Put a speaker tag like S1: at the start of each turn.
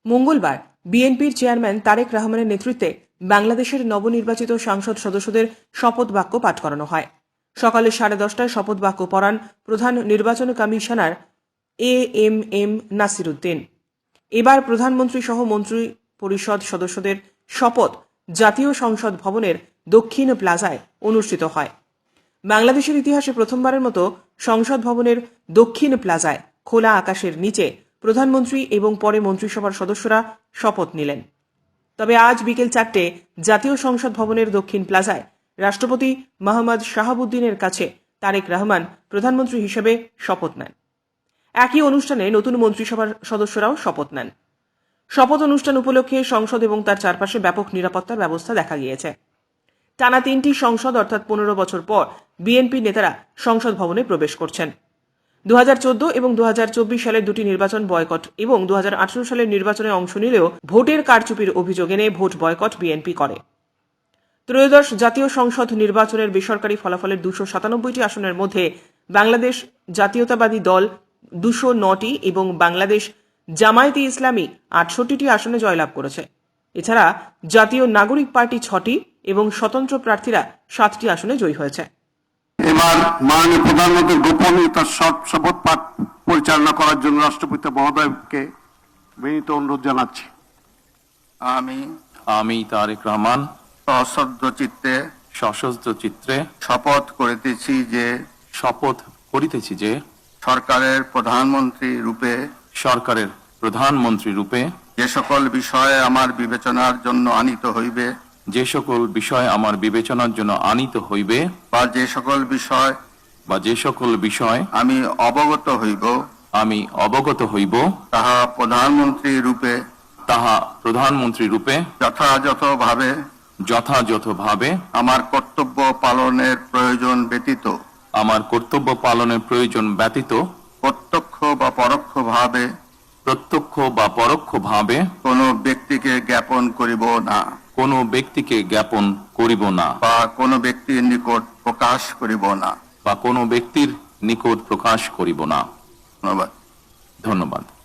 S1: মঙ্গলবার বিএনপির চেয়ারম্যান তারেক রহমানের নেতৃত্বে বাংলাদেশের নবনির্বাচিত সংসদ সদস্যদের শপথ বাক্য পাঠ করানো হয়। সকালে 10:30টায় শপথ বাক্য পড়ান প্রধান নির্বাচন কমিশনার এএমএম নাসির উদ্দিন। এবার প্রধানমন্ত্রী সহ মন্ত্রী পরিষদ সদস্যদের শপথ জাতীয় সংসদ ভবনের দক্ষিণ প্লাজায় অনুষ্ঠিত হয়। বাংলাদেশের ইতিহাসে প্রথমবারের মতো সংসদ ভবনের দক্ষিণ প্লাজায় খোলা আকাশের নিচে প্রধানমন্ত্রী এবং পরে মন্ত্রিসভার সদস্যরা শপথ নিলেন। তবে আজ বিকেল 4টে জাতীয় সংসদ ভবনের দক্ষিণ প্লাজায় রাষ্ট্রপতি মোহাম্মদ শাহাবুদ্দিনের কাছে তারেক রহমান প্রধানমন্ত্রী হিসেবে শপথ নেন। একই অনুষ্ঠানে নতুন মন্ত্রিসভার সদস্যরাও শপথ নেন। শপথ অনুষ্ঠান উপলক্ষে সংসদ এবং তার চারপাশে ব্যাপক নিরাপত্তার ব্যবস্থা দেখা গিয়েছে। টানা 3টি সংসদ অর্থাৎ 15 বছর পর বিএনপি নেতারা সংসদ ভবনে প্রবেশ করছেন। 2014 এবং 2024 সালের দুটি নির্বাচন বয়কট এবং 2018 সালের নির্বাচনে অংশ নিলেও ভোটের কারচুপির অভিযোগ এনে ভোট বয়কট বিএনপি করে। ত্রয়োদশ জাতীয় সংসদ নির্বাচনের বেসরকারি ফলাফলের 297টি আসনের মধ্যে বাংলাদেশ জাতীয়তাবাদী দল 209টি এবং বাংলাদেশ জামায়াতে ইসলামী 68টি আসনে জয়লাভ করেছে। এছাড়া জাতীয় নাগরিক পার্টি 6টি এবং স্বতন্ত্র প্রার্থীরা 7টি আসনে জয়ী হয়েছে।
S2: এবার মাননীয় প্রধানমন্ত্রীর গোপনীয়তা শপথ পাঠ পরিচালনা করার জন্য রাষ্ট্রপতি মহোদয়কে বিনীত অনুরোধ জানাচ্ছি।
S3: আমি তারেক রহমান
S2: সশস্ত্র চিত্তে
S3: শপথ করিতেছি যে
S2: সরকারের প্রধানমন্ত্রী রূপে
S3: যে সকল বিষয় আমার বিবেচনার জন্য আনিত হইবে
S2: বা যে সকল বিষয়
S3: আমি অবগত হইব
S2: তাহা প্রধানমন্ত্রী রূপে
S3: যথাযথভাবে
S2: আমার কর্তব্য পালনের প্রয়োজন ব্যতীত প্রত্যক্ষ বা পরোক্ষভাবে
S3: কোনো ব্যক্তিকে জ্ঞাপন করিব না
S2: বা কোনো ব্যক্তির নিকট প্রকাশ করিব না।
S3: ধন্যবাদ।